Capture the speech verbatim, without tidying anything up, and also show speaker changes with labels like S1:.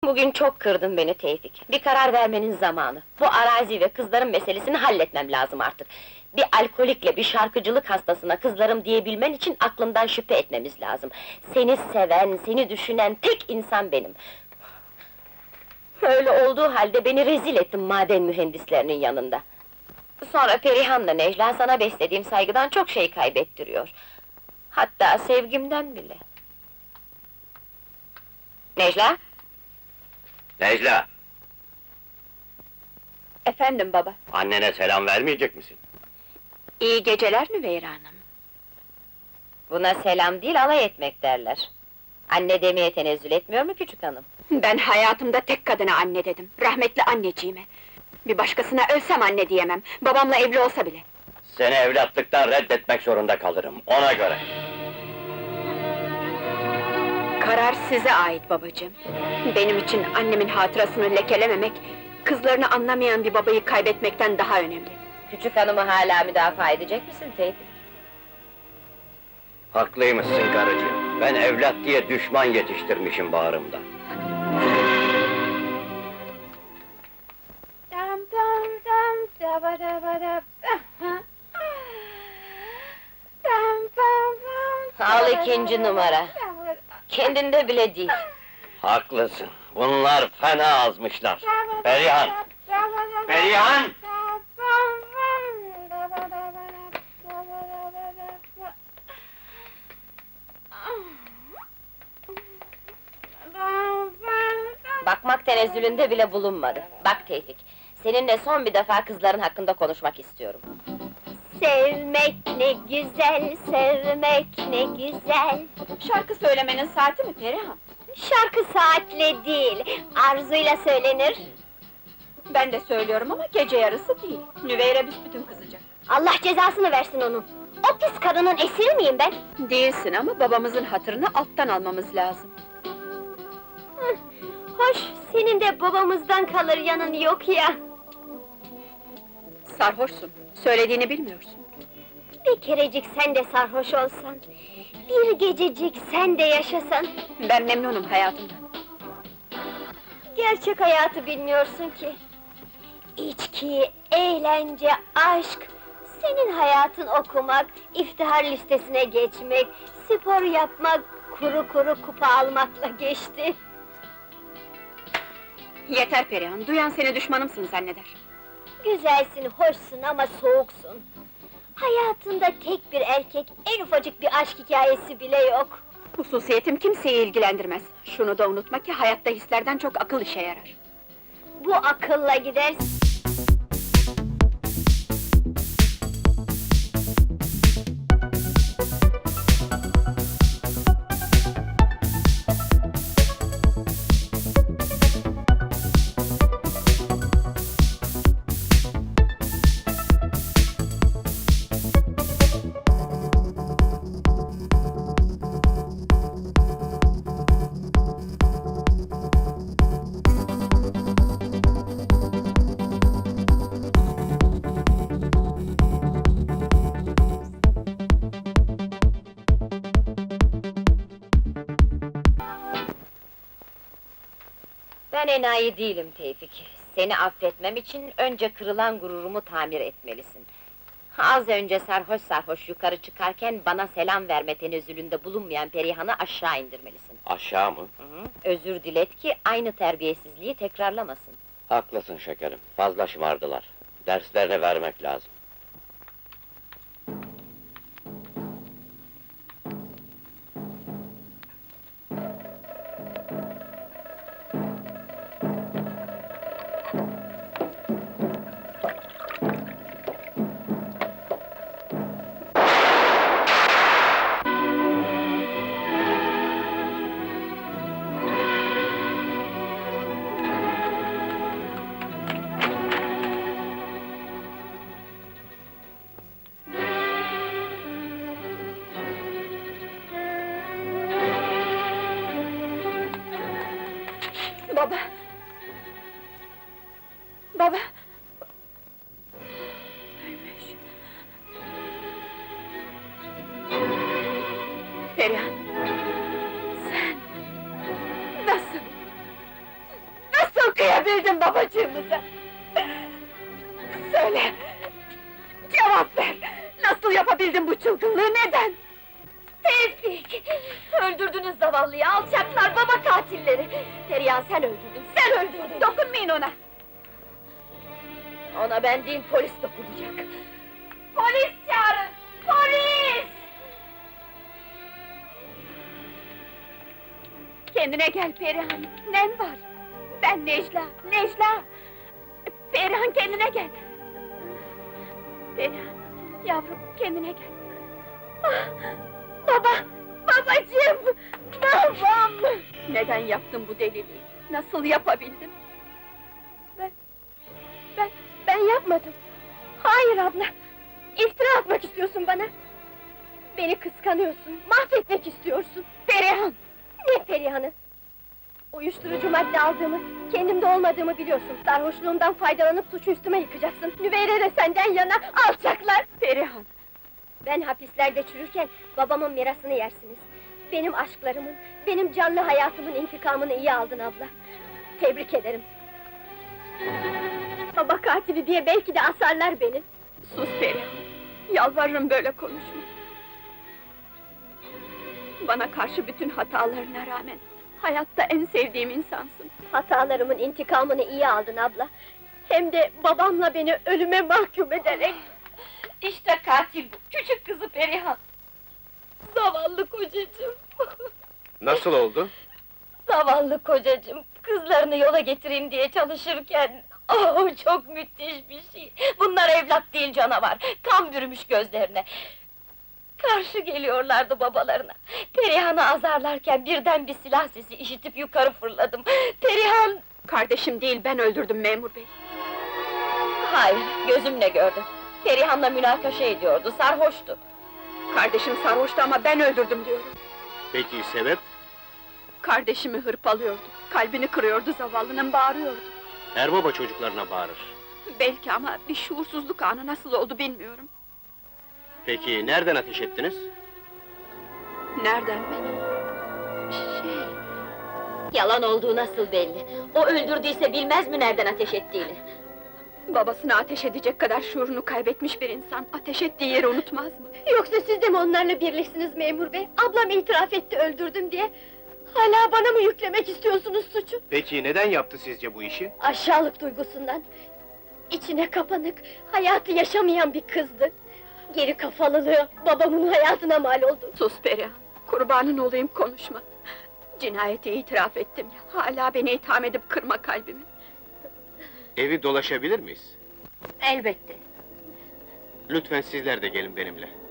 S1: Bugün çok kırdın beni Tevfik. Bir karar vermenin zamanı. Bu arazi ve kızların meselesini halletmem lazım artık. Bir alkolikle, bir şarkıcılık hastasına kızlarım diyebilmen için aklından şüphe etmemiz lazım. Seni seven, seni düşünen tek insan benim. Öyle olduğu halde beni rezil ettin maden mühendislerinin yanında. Sonra Perihan'la Necla sana beslediğim saygıdan çok şey kaybettiriyor. Hatta sevgimden bile. Necla?
S2: Necla,
S3: Efendim baba,
S2: annene selam vermeyecek misin?
S3: iyi geceler Nüveyra Hanım.
S1: Buna selam değil, alay etmek derler. Anne demeye tenezzül etmiyor mu küçük hanım?
S3: Ben hayatımda tek kadına anne dedim, rahmetli anneciğime. Bir başkasına ölsem anne diyemem, babamla evli olsa bile.
S2: Seni evlatlıktan reddetmek zorunda kalırım, ona göre.
S3: Karar size ait babacığım. Benim için annemin hatırasını lekelememek, kızlarını anlamayan bir babayı kaybetmekten daha önemli.
S1: Küçük hanımı hala müdafaa edecek misin Tevfik?
S2: Haklıymışsın karıcığım, ben evlat diye düşman yetiştirmişim bağrımda.
S4: Dam dam dam daba daba dab. Dam dam dam.
S1: Al ikinci numara. Kendinde bile değil.
S2: Haklısın, bunlar fena azmışlar. Perihan! Perihan!
S1: Bakmak tenezzülünde bile bulunmadı. Bak Tevfik, seninle son bir defa kızların hakkında konuşmak istiyorum.
S4: Sevmek ne güzel, sevmek ne güzel.
S3: Şarkı söylemenin saati mi Perihan?
S4: Şarkı saatle değil, arzuyla söylenir.
S3: Ben de söylüyorum ama gece yarısı değil. Nüveyre büsbütün kızacak.
S4: Allah cezasını versin onun. O pis karının esiri miyim ben?
S3: Değilsin ama babamızın hatırını alttan almamız lazım.
S4: Hıh, hoş, senin de babamızdan kalır yanın yok ya.
S3: Sarhoşsun, söylediğini bilmiyorsun.
S4: Bir kerecik sen de sarhoş olsan, bir gececik sen de yaşasan.
S3: Ben memnunum hayatımdan.
S4: Gerçek hayatı bilmiyorsun ki. İçki, eğlence, aşk. Senin hayatın okumak, iftihar listesine geçmek, spor yapmak, kuru kuru kupa almakla geçti.
S3: Yeter Perihan, duyan seni düşmanımsın zanneder.
S4: Güzelsin, hoşsun ama soğuksun. Hayatında tek bir erkek, en ufacık bir aşk hikayesi bile yok.
S3: Hususiyetim kimseyi ilgilendirmez. Şunu da unutma ki hayatta hislerden çok akıl işe yarar.
S4: Bu akılla gidersin.
S1: Ben enayi değilim Tevfik. Seni affetmem için önce kırılan gururumu tamir etmelisin. Az önce sarhoş sarhoş yukarı çıkarken bana selam verme tenezzülünde bulunmayan Perihan'ı aşağı indirmelisin.
S2: Aşağı mı?
S1: Hı hı. Özür dilet ki aynı terbiyesizliği tekrarlamasın.
S2: Haklısın şekerim, fazla şımardılar. Derslerini vermek lazım.
S3: Baba! Baba! Ölmüş. Perihan! Sen! Nasıl? yapabildin babacığımıza? Söyle! Cevap ver! Nasıl yapabildin bu çılgınlığı, neden?
S4: Tevfik! Öldürdünüz zavallıyı, alçaklar, baba katilleri! Perihan sen öldürdün, sen öldürdün!
S3: Dokunmayın ona!
S4: Ona ben değil, polis dokunacak! Polis çağırın! Polis!
S3: Kendine gel Perihan, nen var? Ben Necla, Necla! Perihan kendine gel! Perihan, yavrum kendine gel!
S4: Ah, baba! Babacığım! Babam!
S3: Neden yaptın bu deliliği? Nasıl yapabildin?
S4: Ben... Ben... Ben yapmadım! Hayır abla! İftira atmak istiyorsun bana! Beni kıskanıyorsun, mahvetmek istiyorsun!
S3: Perihan!
S4: Ne Perihan'ı? Uyuşturucu madde aldığımı, kendimde olmadığımı biliyorsun. Sarhoşluğumdan faydalanıp suçu üstüme yıkacaksın. Nüveyre de senden yana, alçaklar!
S3: Perihan!
S4: Ben hapislerde çürürken babamın mirasını yersiniz. Benim aşklarımın, benim canlı hayatımın intikamını iyi aldın abla. Tebrik ederim. Baba katili diye belki de asarlar beni.
S3: Sus Perihan! Yalvarırım böyle konuşma! Bana karşı bütün hatalarına rağmen hayatta en sevdiğim insansın.
S4: Hatalarımın intikamını iyi aldın abla. Hem de babamla beni ölüme mahkum ederek.
S3: İşte katil bu, küçük kızı Perihan!
S4: Zavallı kocacığım.
S5: Nasıl oldu?
S1: Zavallı kocacığım, kızlarını yola getireyim diye çalışırken... Oh, çok müthiş bir şey! Bunlar evlat değil canavar, kan bürümüş gözlerine! Karşı geliyorlardı babalarına. Perihan'ı azarlarken birden bir silah sesi işitip yukarı fırladım. Perihan...
S3: Kardeşim değil, ben öldürdüm memur bey!
S1: Hayır, gözümle gördüm. Perihan'la münakaşa ediyordu, sarhoştu.
S3: Kardeşim sarhoştu ama ben öldürdüm diyorum!
S5: Peki sebep?
S3: Kardeşimi hırpalıyordu, kalbini kırıyordu zavallının, bağırıyordu!
S5: Her baba çocuklarına bağırır.
S3: Belki ama bir şuursuzluk anı nasıl oldu bilmiyorum!
S5: Peki nereden ateş ettiniz?
S3: Nereden benim?
S1: Şey... Yalan olduğu nasıl belli? O öldürdüyse bilmez mi nereden ateş ettiğini?
S3: Babasına ateş edecek kadar şuurunu kaybetmiş bir insan, ateş ettiği yeri unutmaz mı?
S4: Yoksa siz de mi onlarla birleşsiniz memur bey? Ablam itiraf etti öldürdüm diye. Hala bana mı yüklemek istiyorsunuz suçu?
S5: Peki neden yaptı sizce bu işi?
S4: Aşağılık duygusundan. İçine kapanık, hayatı yaşamayan bir kızdı. Geri kafalılığı babamın hayatına mal oldu.
S3: Sus Perihan, kurbanın olayım konuşma! Cinayeti itiraf ettim ya, hala beni itham edip kırma kalbimi!
S5: Evi dolaşabilir miyiz?
S1: Elbette.
S5: Lütfen sizler de gelin benimle.